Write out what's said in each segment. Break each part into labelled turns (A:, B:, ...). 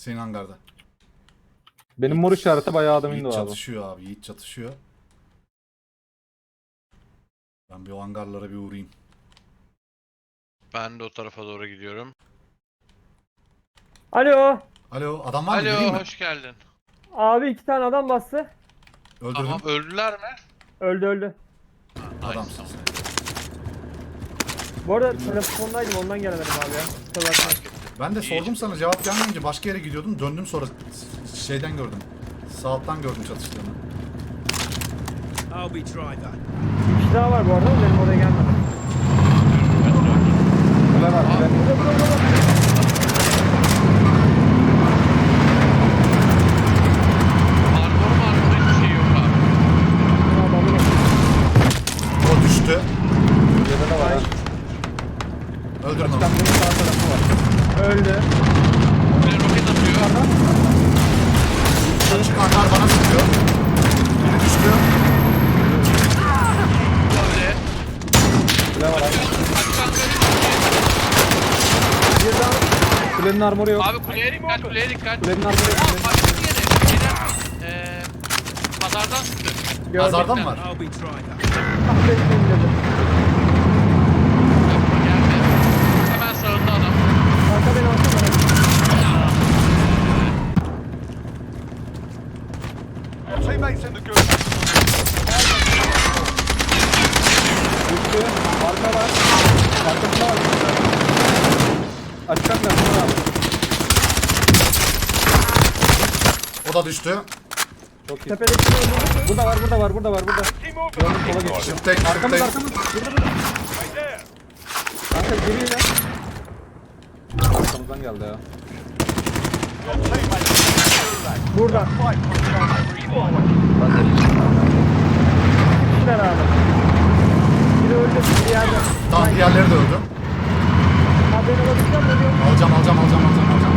A: Senin hangarda.
B: Benim mor işareti bayağı adam indi
A: Yiğit
B: abi.
A: çatışıyor abi. Yiğit çatışıyor. Ben bir o hangarlara bir uğrayayım.
C: Ben de o tarafa doğru gidiyorum.
D: Alo.
A: Alo adam var mı? Geleyim
C: Alo,
A: mi?
C: hoş geldin.
D: Abi 2 tane adam bastı.
A: Öldürdüm.
C: Tamam, öldüler mi?
D: Öldü öldü.
C: Nice,
A: Adamsın
C: tamam.
A: sen.
D: Bu arada telefondaydım ondan gelemedim abi ya. Kusura bakma.
A: Ben de
C: İyi.
A: sordum sana cevap gelmeyince başka yere gidiyordum. Döndüm sonra şeyden gördüm. Sağ alttan gördüm çatıştığını.
E: I'll be try that.
D: Bir kişi daha var bu arada benim oraya gelmedi.
B: Güzel var.
C: Armor hiçbir şey yok abi.
D: Adamı
A: O düştü.
B: Güzel de var ha.
A: Öldürün onu.
B: Kamyonun sağ tarafı var.
D: öldü.
C: Bir roket atıyor.
A: Açık hangar bana sıkıyor. Biri düştü.
C: Böyle.
B: Güzel var abi.
D: Bir daha
B: Kulenin armoru yok.
C: Abi kuleye dikkat, kuleye dikkat.
B: Kulenin armoru yok.
C: Aa, başka bir yere. Şeyden, pazardan sıktı.
D: gördüm.
A: Pazardan var.
E: I'll be try that.
D: Ah, bekleyin dedim.
C: Yapma, geldi. Hemen sağında adam.
D: Kanka beni alsana.
F: Teammates in the good.
B: Düştü. Arka var. Arkasında var. Açık kamyon var abi.
A: O da düştü.
B: Çok iyi.
D: Tepedeki öldü.
B: Burada var, burada var, burada var, burada.
F: Team movement.
B: Gördüm, sola geçti.
A: Şıptayım,
B: Arkamız,
A: şıptayım.
B: arkamız. Burada, burada.
F: Right there.
B: Kanka geliyor ya. Arkamızdan geldi ya.
F: Your teammates in the gulag.
D: Burada.
F: Fight for each other. Forward.
D: Kişiler abi. Biri öldü. Bir yerde.
A: Tamam diğerleri de öldü.
D: Ha beni alabilsem ölüyorum.
A: Alacağım.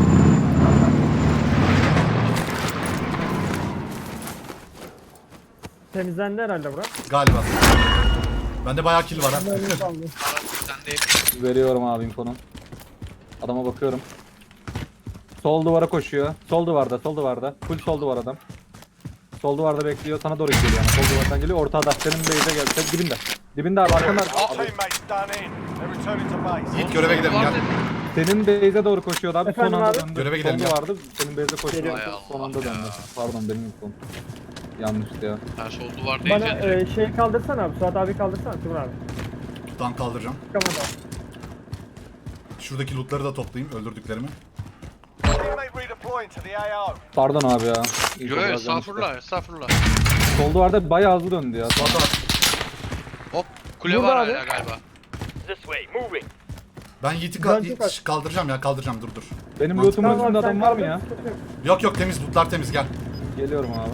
D: Temizlendi herhalde bura.
A: Galiba. Bende bayağı kill var ha.
D: Mermi kaldı.
C: Sen de
B: Veriyorum abi infonu. Adama bakıyorum. Sol duvara koşuyor. Sol duvarda, sol duvarda. Full sol duvar adam. Sol duvarda bekliyor. Sana doğru geliyor yani. Sol duvardan geliyor. Ortada. Senin base'e geldi. Sen dibinde. Dibinde abi arkanda.
F: Our teammates done in. They're returning to base.
A: Yiğit göreve gidelim gel.
B: Senin base'e doğru koşuyordu abi.
D: Efendim
B: son anda
D: abi?
B: döndü.
A: Göreve gidelim
B: Sol
A: ya.
B: duvarda. Senin base'e koşuyordu.
D: Geliyorum.
B: Son anda
C: Hay Allah
B: döndü.
C: ya.
B: Pardon benim infom. Yanlıştı ya.
C: Ben sol duvar
D: Bana
C: diyeceğim.
D: şey kaldırsana abi. Suat abi kaldırsana. Timur abi.
A: Tutan kaldıracağım.
D: Çıkamadı.
A: Şuradaki lootları da toplayayım öldürdüklerimi.
F: Teammate redeploying to the AO.
B: Pardon abi ya. İnfo
C: Yo,
B: biraz yanlıştı.
C: estağfurullah.
B: Sol duvarda bayağı hızlı döndü ya.
A: Valla
C: Hop, kule
D: Burada
C: var
D: abi.
C: hala galiba.
F: This way. Moving.
A: ben Yiğit'i
D: Ben çok aç.
A: kaldıracağım ya kaldıracağım dur.
B: Benim
A: Mantıklı.
B: lootumun
D: Tamam
B: üstünde
D: abi,
B: adam
D: sen
B: var mı ya?
D: kaldır, sıkıntı yok.
A: Yok temiz lootlar temiz gel.
B: Geliyorum abi.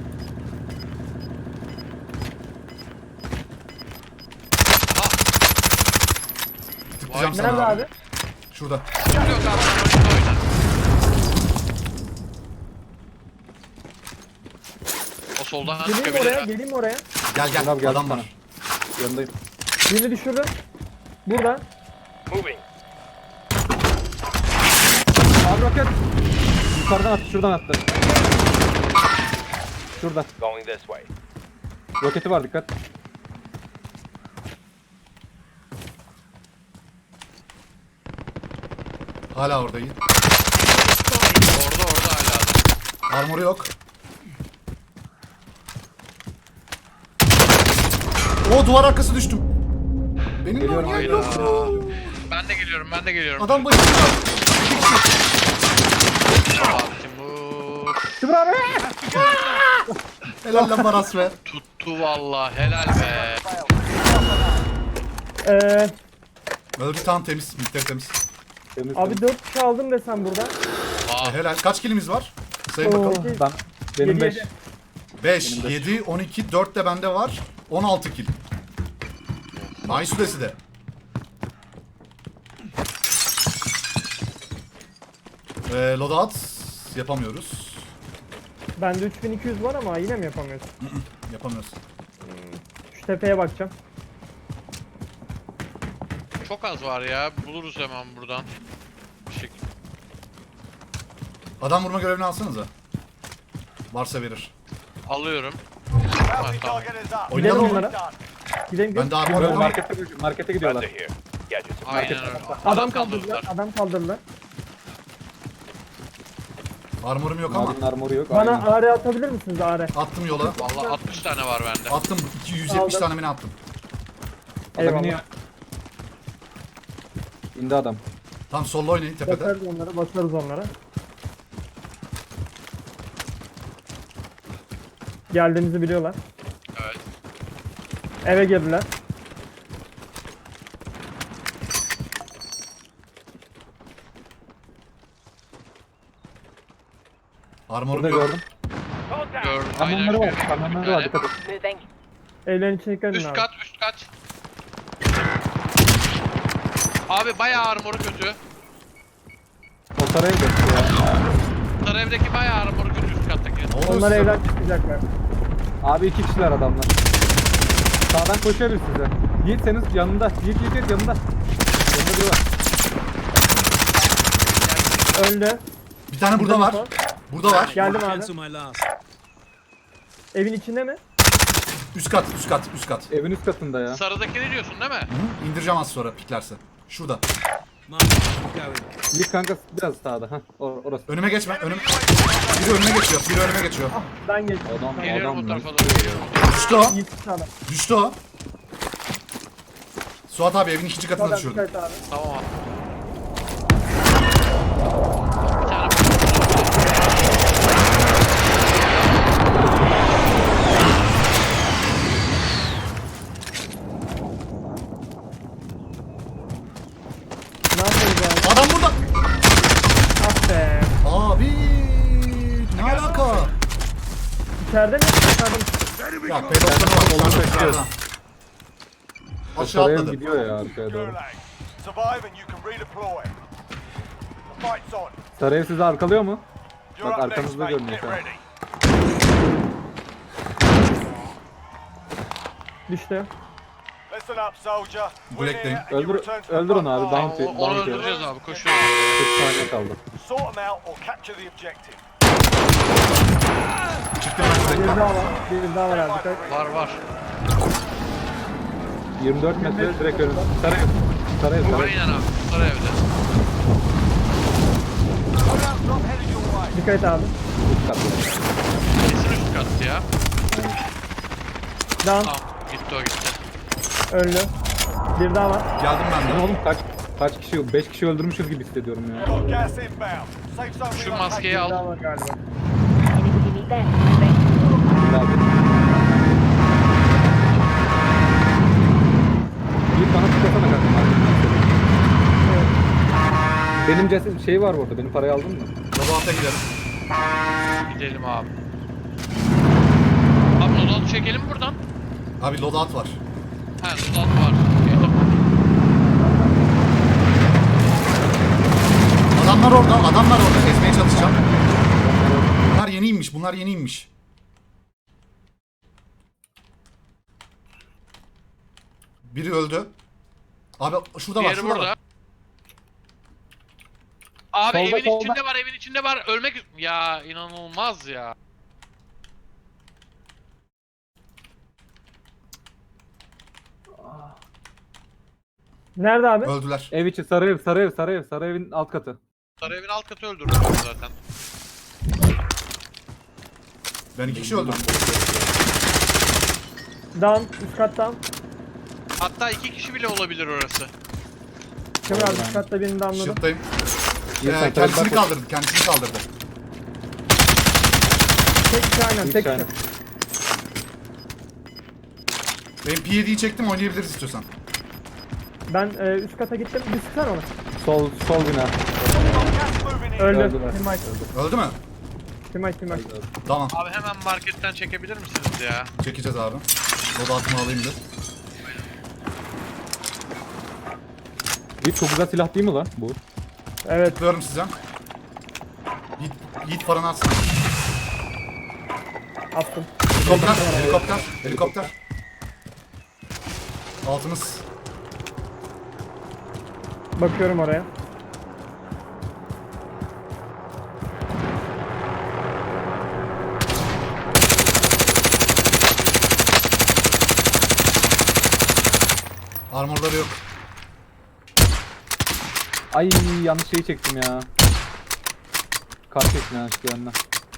A: Tıklayacağım
C: Vay,
A: sana
D: Nerede
A: abi.
D: abi?
A: Şurada.
C: Yok abi, sen orada oyna. O soldan
D: Geleyim mi
C: çıkabilir.
D: oraya? Geleyim mi oraya?
A: Gel
B: Gel abi, geldim
A: adam
B: sana.
A: var.
B: Yanındayım.
D: Birini düşürdüm. Burada.
F: Moving.
B: Abi roket. Yukarıdan attı, şuradan attı. Şurada.
F: Going this way.
B: Roketi var, dikkat.
A: Hala orada Yiğit.
C: Orada hala adam.
A: Armoru yok. O duvar arkası düştüm. Benim de
B: Geliyorum,
A: oynayan
C: Hayda.
A: yok.
C: Ben de geliyorum.
A: Adam başında.
C: Aa, Timur.
B: Timur abi!
A: Helal lan Baras be.
C: Tuttu valla, helal be.
A: Öldü tamam temiz. Miktar temiz.
B: Temiz,
D: Abi
B: temiz.
D: 4 kişi aldım desem burada.
C: Aa,
A: Helal. Kaç kilimiz var? Sayın
D: Oo.
A: bakalım.
B: Ben, benim
D: Yedi,
B: 5.
D: yedi.
A: 5,
B: Benim de.
A: 7, 12, 4 de bende var. 16 kill. Ay süresi de. Loadout yapamıyoruz.
D: Bende 3200 var ama yine mi yapamıyorsun?
A: Yapamıyoruz.
D: Şu tepeye bakacağım.
C: çok az var ya. Buluruz hemen buradan. Bir şekilde.
A: Adam vurma görevini alsanıza. Varsa verir.
C: Alıyorum.
F: Bounty
C: tamam.
F: target is up.
A: Oynayalım
D: Gidelim
A: mı?
D: onlara.
F: Done.
D: Gidelim
A: Ben de armor
B: Böyle
A: yok ama.
B: markete gidiyorlar.
F: Friendly here. Gadgets.
C: Aynen öyle.
D: Adam
C: kaldırdılar.
D: kaldırdılar. Adam kaldırdılar.
A: Armorum yok ama.
B: Mavinin armoru yok.
D: Bana
B: Aynen.
D: AR atabilir misiniz AR?
A: Attım yola.
C: Vallahi 60 tane var bende.
A: Attım 270 tane mi ne attım.
B: Adam
D: Eyvallah.
B: iniyor. İndi adam.
A: Tam solda oynayın tepede.
D: Basarız onlara, basarız onlara. Geldiğimizi biliyorlar.
C: Evet.
D: Eve girdiler.
A: Armorum
B: Burada
A: yok.
B: gördüm.
F: Contact.
C: Gördüm. Aynen
B: Kamyonları var.
C: şöyle.
B: Kamyonları var. Dikkat et.
E: Moving.
D: Evlerin içine dikkat edin
C: Üst
D: abi.
C: kat, üst kat. Abi bayağı armoru kötü.
B: O saraya gidiyor ya.
C: Sarı evdeki bayağı armoru kötü üst kattaki.
A: Ne oluyor
D: Onlar
A: size?
D: evden çıkacaklar.
B: Abi 2 kişiler adamlar. Sağdan koşuyor bir size. Yiğit senin yanında. Yiğit yanında. Yanında biri var.
D: Öldü.
A: Bir tane burada var. Burada var.
D: Geldim abi.
G: Cancel my last.
D: Evin içinde mi?
A: Üst kat, üst kat, üst kat.
B: Evin üst katında ya.
C: Sarıdaki ne diyorsun değil mi?
A: Hı? İndireceğim az sonra piklerse. Şurada.
G: Mark, going.
B: Yiğit kanka biraz sağda. Hah orası.
A: Önüme geçme. Biri önüme geçiyor. Biri önüme geçiyor.
D: Ben geçtim.
B: Adam
C: Geliyorum
B: adam
C: bu
B: lan.
C: tarafa doğru geliyorum.
A: Düştü o.
D: Yiğit sağda.
A: Düştü o. Suat abi evin ikinci katına
D: Sağdan
A: düşürdüm.
D: dikkat abi.
C: Tamam abi. Bir tane
D: Ne yapıyoruz abi?
A: Adam burada.
D: Ah be.
A: Abi ne alaka?
D: İçeride mi? Dışarıda mı?
A: Ya pedofili var. Aşağıda. Aşağı
B: Saraya
A: atladı.
B: gidiyor ya arkaya doğru.
F: Gulag. Survive and you can redeploy. The fight's on.
B: Saraya sizi arkalıyor mu?
F: You're
B: Bak
F: up next,
B: arkanızda
F: mate.
B: görünüyor
F: Get
B: şu an.
F: ready.
D: Düştü.
F: Listen up, soldier. Win
A: Black'teyim.
F: here and you
B: Öldür-
F: return to the
B: öldürün
F: front
B: abi,
F: line.
B: bounty.
C: onu öldüreceğiz abi. Koşuyoruz.
B: 40 saniye kaldı.
F: Sort them out or capture the objective.
A: Çıktım ben
D: Bir
A: direkt.
D: daha var. Bir daha var abi. Dikkat.
C: Var var.
B: 24 metre direkt önüm. Saraya. Saraya.
C: Aynen abi. Sarı evde.
F: Loadout drop headed your way.
D: Dikkat et abi.
B: Üst katlı.
C: Kesin üst kattı ya.
D: Down.
C: Tamam. Gitti o gitti.
D: Öldü. Bir daha var.
A: Geldim ben
B: Lan
A: de.
B: oğlum kaç kişi 5 kişi öldürmüşüz gibi hissediyorum ya.
F: Got gas inbound. Safe zone
C: Şu
F: relocated.
C: maskeyi
D: Bir
C: al.
D: daha var galiba.
E: Anything you need there? Moving.
B: Abi. Bir bana tıklasana kanka. Benim ceset şey var burada. Benim parayı aldın mı?
A: Loadout'a gidelim.
C: Gidelim abi. Abi loadout çekelim buradan.
A: Abi loadout var.
C: He loadout var. Okey, tamam.
A: Adamlar orada. Ezmeye çalışacağım. Bunlar yeni inmiş. Bunlar yeni inmiş. Biri öldü. Abi şurada var,
C: Diğeri
A: şurada
C: burada.
A: var.
C: Abi
B: Solda,
C: evin
B: solda.
C: içinde var, evin içinde var. Ölmek... Ya inanılmaz ya.
D: Nerede abi?
A: Öldüler.
B: Ev içi sarı evin alt katı.
C: Sarı evin alt katı öldürdüm zaten.
A: Ben 2 kişi öldürdüm.
D: Down. Üst kat down.
C: Hatta 2 kişi bile olabilir orası.
D: Kemal abi üst katta birini downladım.
A: Shield'dayım.
B: Bir sen
A: Kendisini
B: bak-
A: kaldırdı. Kendisini kaldırdı.
D: Tek kişi aynen.
B: Bir
D: Tek
B: tane.
D: kişi.
A: Ben P7'yi çektim, oynayabiliriz istiyorsan.
D: Ben üst kata gittim. Bir sıksana onu.
B: Sol bina.
F: Gas moving in.
D: Öldü.
B: Öldüler.
D: Timay.
A: Öldü mü?
D: Timay.
A: Tamam.
C: Abi hemen marketten çekebilir misiniz ya?
A: Çekeceğiz abi. Loadout'umu alayım bir.
B: Bir çok güzel silah değil mi lan bu?
D: Evet.
A: Tıklıyorum size. Yiğit paranı atsın.
D: Attım.
A: Helikopter. Altımız.
D: Bakıyorum oraya.
A: Armorları yok.
B: Ay yanlış şeyi çektim ya. Kar çektim yanlışlıkla yanına.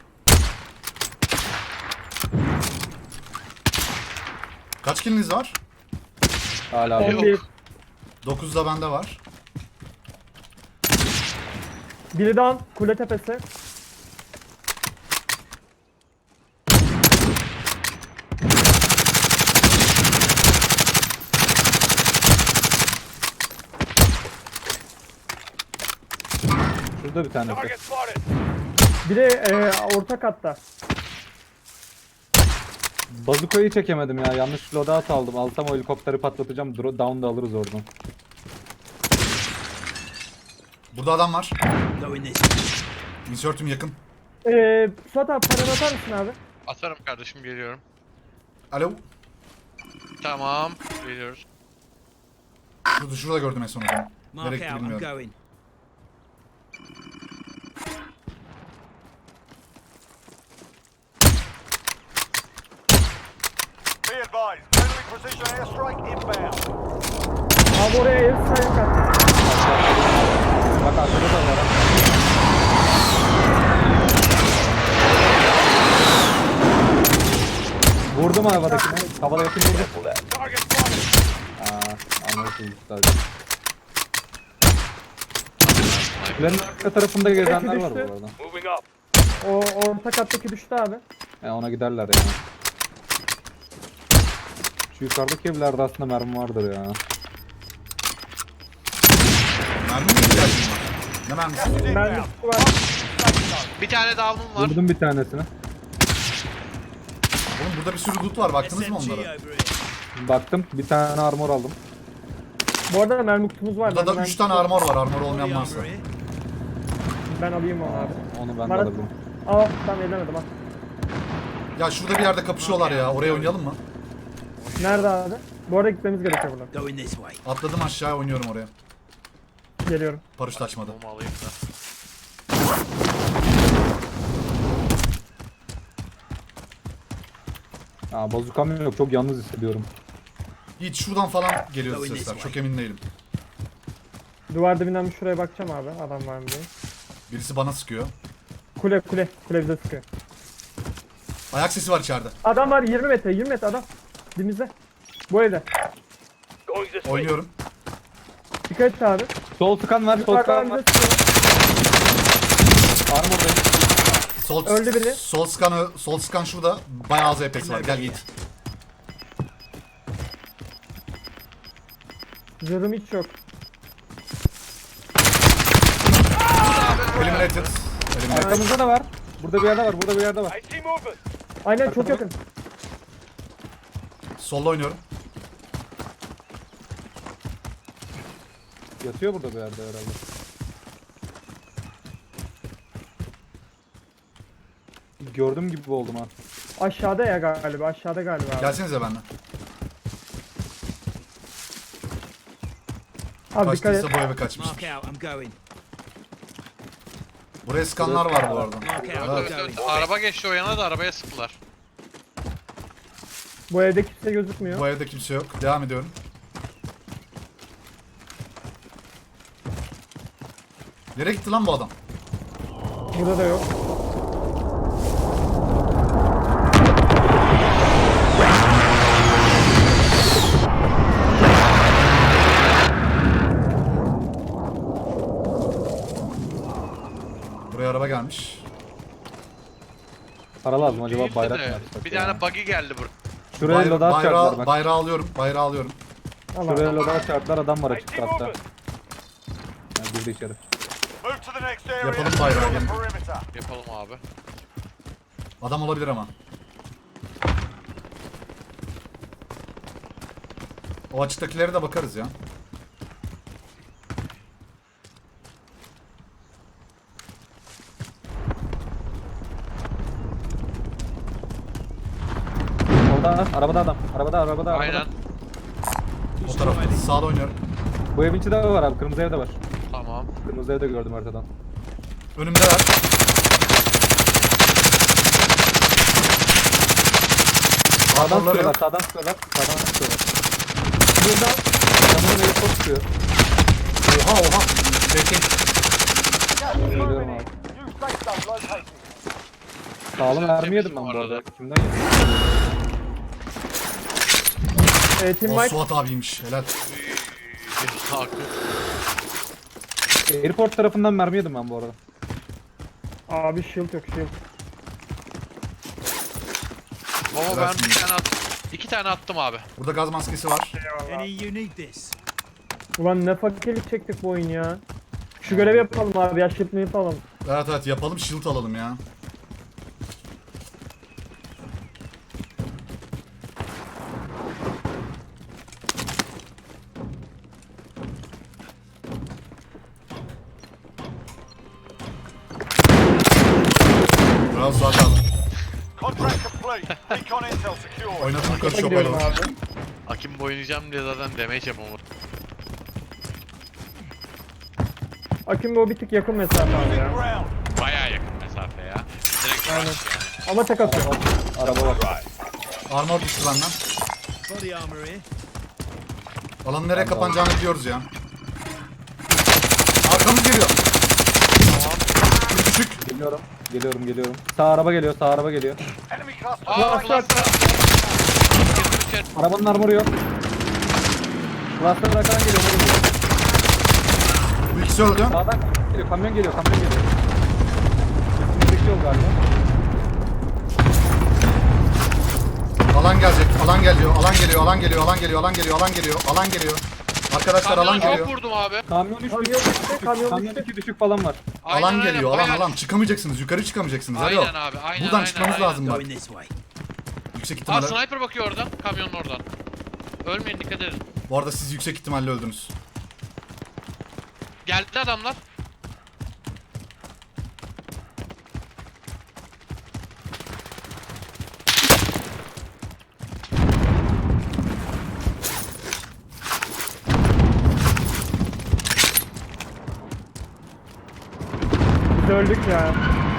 A: Kaç kiliniz var?
B: Hala abi.
D: 11.
A: 9 da bende var.
D: Biri down. Kule tepesi.
B: Şurada bir tanesi.
F: Target spotted.
D: Biri orta katta.
B: Bazukayı çekemedim ya. Yanlış loadout aldım. Alsam o helikopteri patlatacağım. Down da alırız oradan.
A: Burada adam var.
G: Going this way.
A: Insert'üm yakın.
D: Suat abi paranı atar mısın abi?
C: Atarım kardeşim, geliyorum.
A: Alo.
C: Tamam, geliyoruz.
A: Şurada gördüm en son adamı.
G: Mark
A: Nereye gitti
G: out. I'm
A: bilmiyorum.
G: going.
F: Be advised, friendly precision airstrike inbound.
D: Abi oraya ev sayın kat.
B: Bak arkada da var. Ha. Vurdum havadakine. Havada yakın vurdum.
F: Target spotted.
B: Anlarsınız sadece. Kulenin arka tarafında gezenler var bu
D: düştü.
B: arada.
F: Moving up.
D: O orta kattaki düştü abi.
B: Ona giderler yani. Şu yukarıdaki evlerde aslında mermi vardır ya.
A: Mermi mi ihtiyacım var? Ne mermisi?
F: Gas is
D: Mermi
F: inbound.
D: var.
C: Bir tane down'um var.
B: Vurdum bir tanesini.
A: Oğlum burada bir sürü loot var. Baktınız mı
G: SMG
A: onlara?
G: over here.
B: Baktım bir tane armor aldım.
D: Bu arada mermi kutumuz var.
A: Burada da
D: Ben-
A: 3 tane armor var. Armor olmayan
G: Body
A: varsa.
G: armor here.
D: Ben alayım onu abi.
B: Onu ben de
D: Marat-
B: alabilirim.
D: Al tamam edemedim al.
A: Ya şurada bir yerde kapışıyorlar ya. Oraya oynayalım mı?
D: Nerede abi? Bu arada gitmemiz gerekiyor buradan.
G: Going this way.
A: Atladım aşağıya, oynuyorum oraya.
D: Geliyorum.
A: Paraşüt açmadı.
C: Bomba alayım da.
B: Bazukam yok. Çok yalnız hissediyorum.
A: Yiğit şuradan falan geliyor sesler. Çok emin değilim.
D: Duvar dibinden bir şuraya bakacağım abi. Adam var mı diye.
A: Birisi bana sıkıyor.
D: Kule kule. Kule bize sıkıyor.
A: Ayak sesi var içeride.
D: Adam var 20 metre 20 metre adam. Dibimizde. Bu evde.
F: Going this way.
A: Oynuyorum.
D: Dikkat et abi.
B: Sol tıkan var. Sol
D: Yukarıdan
B: tıkan var.
D: bize sıkıyor.
B: Armordayım.
D: Öldü biri.
A: Sol scan şurada. Bayağı az Apex var. Gel Yiğit.
D: Zırhım hiç yok.
A: Eliminated. Eliminated.
B: Arkamızda da var. Burada bir yerde var. Burada bir yerde var.
F: I see movement.
D: Aynen çok yakın.
A: Solda oynuyorum.
B: Yatıyor burada bir yerde herhalde. Gördüm gibi oldum ha.
D: Aşağıda ya galiba. Aşağıda galiba abi.
A: Gelsenize benden.
D: Abi dikkat et.
A: Kaçtıysa bu eve kaçmış.
G: Mark out. I'm going.
A: Buraya skanlar var bu arada.
G: Mark out.
A: Evet.
G: I'm
C: Evet,
G: going.
C: evet, araba geçti o yana da arabaya sıktılar.
D: Bu evde kimse gözükmüyor.
A: Bu evde kimse yok. Devam ediyorum. Nereye gitti lan bu adam?
D: Burada da yok.
A: Buraya araba gelmiş.
B: Para lazım acaba
C: Değildi
B: bayrak
C: de,
B: mı yapsak
C: bir
B: ya?
C: tane buggy geldi buraya.
B: Şuraya loadout çarptılar bak.
A: Bayrağı alıyorum. Bayrağı alıyorum.
D: Allah
B: Şuraya
D: Allah.
B: loadout çarptılar adam var
F: I
B: açıkta
F: see
B: hatta.
F: movement.
B: Yani girdi içeri.
F: Move to the next area.
A: Yapalım
F: and
A: bayrağı,
F: secure the
A: gelin.
F: perimeter.
C: Yapalım abi.
A: Adam olabilir ama. O açıktakilere de bakarız ya.
B: Orada arabada adam. Arabada.
C: Aynen.
A: O tarafta. Sağda oynuyorum.
B: Bu evin içinde de var abi. Kırmızı evde var.
C: Tamam.
B: Kırmızı evde gördüm haritadan.
A: Önümdeler.
B: Sağdan
A: Armorları
B: sıkıyorlar.
A: yok.
B: Sağdan sıkıyorlar.
D: Buradan
B: Adamın evi çok çıkıyor.
A: Oha oha. Bekleyin.
B: Geliyorum abi.
F: New safe zone located.
B: Sağlam mermi yedim ben bu arada. Kimden yedim?
D: Team
A: O
D: White.
A: Suat abiymiş. Helal.
C: Hakkı.
B: Airport tarafından mermi yedim ben bu arada.
D: Abi shield yok shield.
C: Baba ben bir tane attım. 2 tane attım abi.
A: Burada gaz maskesi var.
G: Any you need this.
D: Ulan ne fakirlik çektik bu oyun ya. Şu görevi yapalım abi ya shield mi yapalım.
A: Evet evet yapalım, shield alalım ya. Bravo Suat abi.
F: Contract complete. Recon intel secure.
A: Oynadım yukarı
D: Topa
A: şopayla.
D: gidiyorum abi.
C: Akimbo oynayacağım diye zaten damage yapamadım.
D: Akimbo o bir tık yakın mesafe abi ya.
F: Ground.
C: Bayağı yakın mesafe ya. Direkt
D: Aynen.
C: rush yani.
D: Ama tek atıyor.
B: Araba var.
A: Armor düştü benden.
G: Body armor here.
A: Alanın nereye kapanacağını biliyoruz ya. Arkamız geliyor. Küçük.
B: Geliyorum. Geliyorum. Sağ araba geliyor.
F: Enemy cluster.
C: Aa cluster. Girdim içeri.
B: Arabanın armoru yok. Cluster arkadan geliyor.
A: Bu ikisi öldü.
B: Sağdan kamyon geliyor. Üstümüzdeki yol galiba.
A: Alan gelecek. Alan geliyor. Arkadaşlar alan
C: Kamyona
A: geliyor.
C: çok vurdum abi.
B: Kamyon 3
D: Kamyon
B: düşük.
D: düştü, kamyon
B: Kamyon
D: düştü.
B: 2 düşük falan var.
C: Aynen,
A: Alan
C: aynen,
A: geliyor.
C: bayağı
A: Alan.
C: düştü.
A: Çıkamayacaksınız. Yukarı çıkamayacaksınız. Alo.
C: Aynen abi. Aynen.
A: Buradan
C: aynen,
A: çıkmamız
C: aynen.
A: lazım bak.
G: Going this way.
A: Yüksek
C: Aa
A: ihtimalle.
C: sniper bakıyor oradan. Kamyonun oradan. Ölmeyin dikkat edin.
A: Bu arada siz yüksek ihtimalle öldünüz.
C: Geldi adamlar.
D: Biz öldük ya.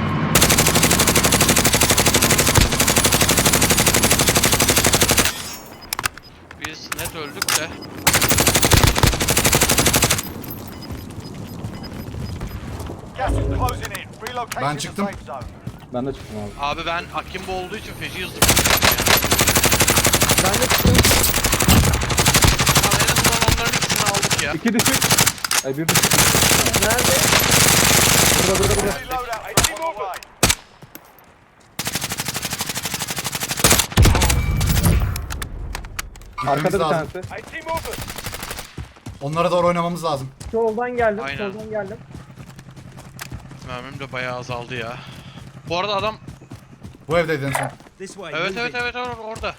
C: Biz net öldük de.
F: Gas is closing in. Relocating
A: Ben
F: the
A: çıktım.
F: safe zone.
B: Ben de çıktım abi.
C: Abi ben Akimbo olduğu için feci hızlı.
D: Ben de çıktım.
C: Abi en azından onların ikisini aldık ya.
B: 2 düşük. Ay 1 düşük.
D: Nerede?
B: Burada.
F: Enemy loadout drop on the way.
A: Gitmemiz
B: Arkada bir
A: lazım.
B: tanesi.
F: AT movement.
A: Onlara doğru oynamamız lazım.
D: Soldan geldim.
C: Aynen.
D: Soldan geldim.
C: Mermim de bayağı azaldı ya. Bu arada adam
A: Bu evdeydi en son.
G: This way.
C: evet
G: move
C: evet
G: it.
C: evet orada.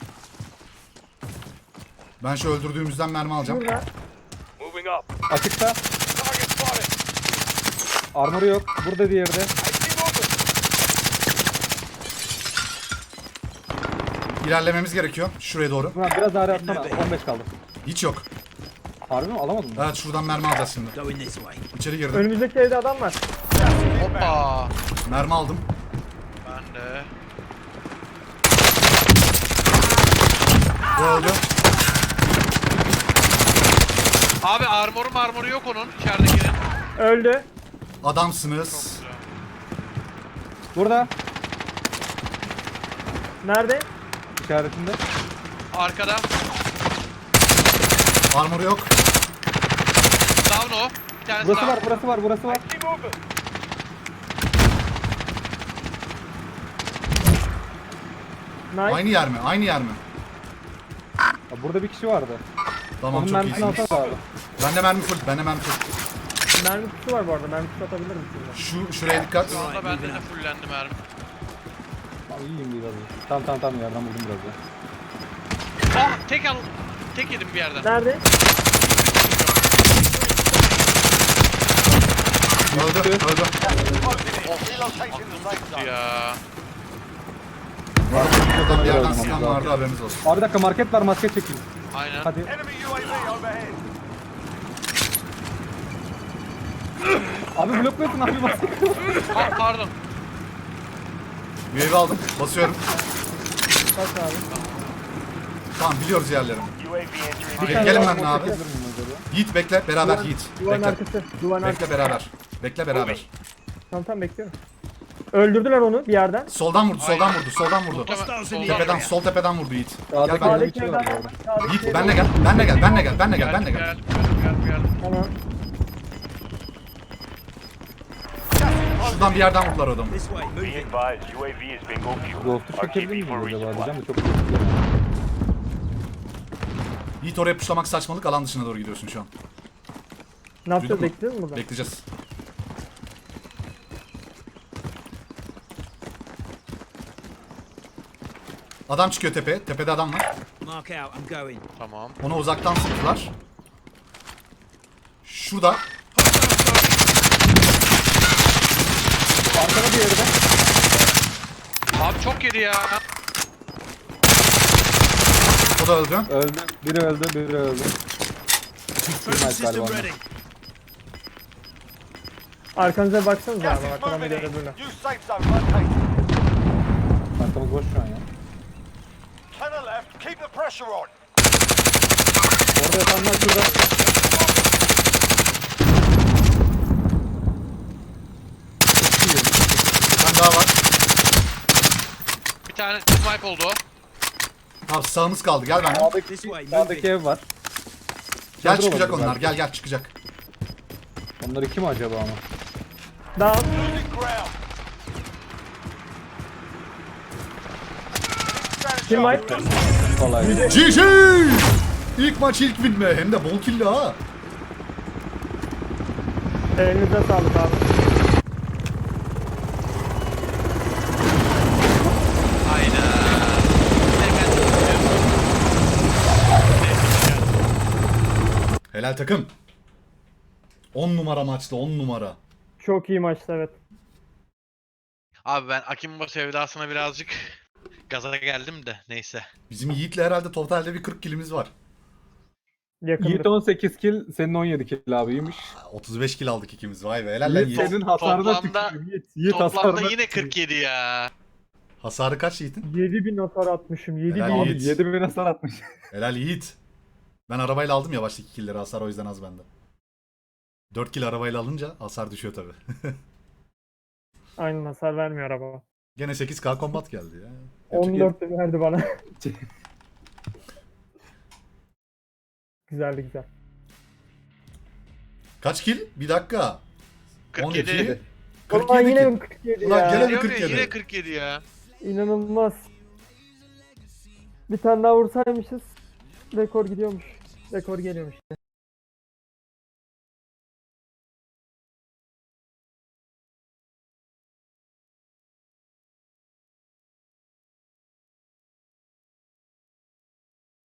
A: Ben şu öldürdüğümüzden mermi alacağım.
D: Burada.
F: Moving up.
B: Açıkta.
F: Target spotted.
B: Armoru yok. Burada diğeri de.
F: AT movement.
A: İlerlememiz gerekiyor. Şuraya doğru.
B: Ulan biraz daha atsana. 15 kaldı.
A: Hiç yok.
B: Harbi mi? Alamadım mı?
A: Evet şuradan mermi alacağız şimdi.
G: Going this way.
A: İçeri girdim.
D: Önümüzdeki evde adam var.
C: Hoppa.
A: Mermi aldım.
C: Ben de.
A: Bu öldü.
C: Abi armoru yok onun içeridekinin.
D: Öldü.
A: Adamsınız.
B: Burada.
D: Nerede?
B: İşaretinde.
C: Arkada.
A: Armor yok.
C: Down o. Bir tanesi
B: Burası
C: down.
B: var.
F: AT movement.
D: Nice.
A: Aynı yer mi?
B: Ya burada bir kişi vardı.
A: Tamam
B: Onun
A: çok
B: mermisini
A: iyisiniz.
B: alsana abi.
A: Bende mermi full.
D: Mermi kutusu var bu arada. Mermi kutusu atabilirim şimdi.
A: Şuraya dikkat.
C: Şu anda bende de fullendi mermi.
B: Tamam iyiyim biraz. Tamam yerden buldum biraz ya.
C: Ah tek yedim bir yerden.
D: Nerede?
A: Öldü.
F: Closing in. Relocating the safe zone.
C: Ya.
A: Bu arada buradan bir yerden
B: Öldü.
A: sıkan vardı, haberiniz olsun.
B: Abi bir dakika market var, maske çekeyim.
C: Aynen.
B: Hadi.
F: Enemy UAV overhead.
B: Abi blokluyorsun abi maske.
C: Ah pardon.
A: UAV aldım. Basıyorum.
D: Bak abi.
A: Tamam biliyoruz yerlerini.
F: UAV entering.
D: Bir tane
A: Gelin
D: daha
A: benimle abi.
B: Çekebilir miyim acaba?
A: Yiğit bekle beraber Yiğit.
D: Duvarın
A: Bekle.
D: arkası. Duvarın
A: Bekle
D: arkası.
A: beraber. Bekle beraber.
D: Tamam bekliyorum. Öldürdüler onu bir yerden.
A: Soldan vurdu, soldan vurdu, soldan vurdu.
G: Hostiles in the
A: Tepeden,
G: area.
A: sol tepeden vurdu Yiğit.
B: Sağda
A: Gel benimle.
B: bir şey var bu arada.
D: Sağdaki
A: Yiğit
D: evden.
A: benle gel, benle gel, benle gel, benle gel, benle
C: Geldim,
A: gel.
C: geldim.
D: Tamam.
A: Şuradan bir yerden vurdular adamı.
G: This way,
F: Be
G: moving.
F: advised, UAV is bingo fuel.
B: Ghost'u çekebilir
F: RTB
B: miyim
F: for
B: acaba
F: resupply.
B: diyeceğim de çok riskli.
A: Yiğit oraya puşlamak saçmalık, alan dışına doğru gidiyorsun şu an.
D: Ne yapacağız?
A: Duydun mu?
D: Bekliyoruz mu burada?
A: Bekleyeceğiz. Adam çıkıyor tepeye. Tepede adam var.
G: Mark out, I'm going.
C: Tamam.
A: Onu uzaktan sıktılar. Şurada.
B: Arkada bir yerde.
C: Abi çok yedi ya.
A: O da öldü.
B: Öldü. Biri öldü, biri öldü.
G: Tracking system
B: galiba.
G: ready.
D: Arkanıza baksanıza
F: Gas
D: abi.
F: is
D: Arkadan bir
F: moving
D: yere
F: in.
D: böyle.
F: New safe zone located.
B: Arkamız boş şu an ya.
F: To the left, keep the pressure on.
B: Orada yatanlar şurada.
A: Bir tane daha var.
C: Bir tane snipe oldu.
A: Abi sağımız kaldı. Gel benimle.
G: This way,
B: Sağdaki
G: moving.
B: ev var.
A: Gel
B: Çadır
A: çıkacak
B: olabilir
A: onlar.
B: belki.
A: Gel gel çıkacak.
B: Onları kim acaba ama?
D: Daha
F: Losing ground.
D: kim var?
B: Kolay.
A: GG! İlk maç ilk win be. Hem de bol killi ha.
D: Elinize sağlık abi.
C: Hayda.
A: Helal takım. 10 numara maçta 10 numara.
D: Çok iyi maçtı evet.
C: Abi ben Akimbo sevdasına birazcık gaza geldim de neyse.
A: Bizim Yiğit'le herhalde totalde bir 40 kilimiz var.
D: Yakındır.
B: Yiğit 18 kill, senin 17 kill abi.
A: 35 kill aldık ikimiz. Vay be helal lan
B: Yiğit
A: Yiğit.
B: senin hasarına
C: Toplamda-
B: tükürüyorum. Yiğit
C: Toplamda
B: hasarına
C: yine
B: tükürüyorum.
C: 47 ya.
A: Hasarı kaç Yiğit'in?
D: 7000 hasar atmışım. 7000.
A: Helal
B: Abi
A: Yiğit.
B: 7000 hasar atmış.
A: Helal Yiğit. Ben arabayla aldım ya baştaki killleri, hasar o yüzden az bende. 4 kill arabayla alınca hasar düşüyor tabi.
D: Aynen hasar vermiyor araba.
A: Gene 8K combat geldi ya.
D: 14 de verdi bana. Güzeldi güzel.
A: Kaç kill? Bir dakika.
C: 47.
A: 12.
D: Ulan
A: 47
D: yine
A: kill.
D: mi 47
A: Ulan
D: ya?
A: gene mi
C: Diyorum ya,
A: 47?
C: yine 47 ya.
D: İnanılmaz. Bir tane daha vursaymışız. Rekor gidiyormuş. Rekor geliyormuş.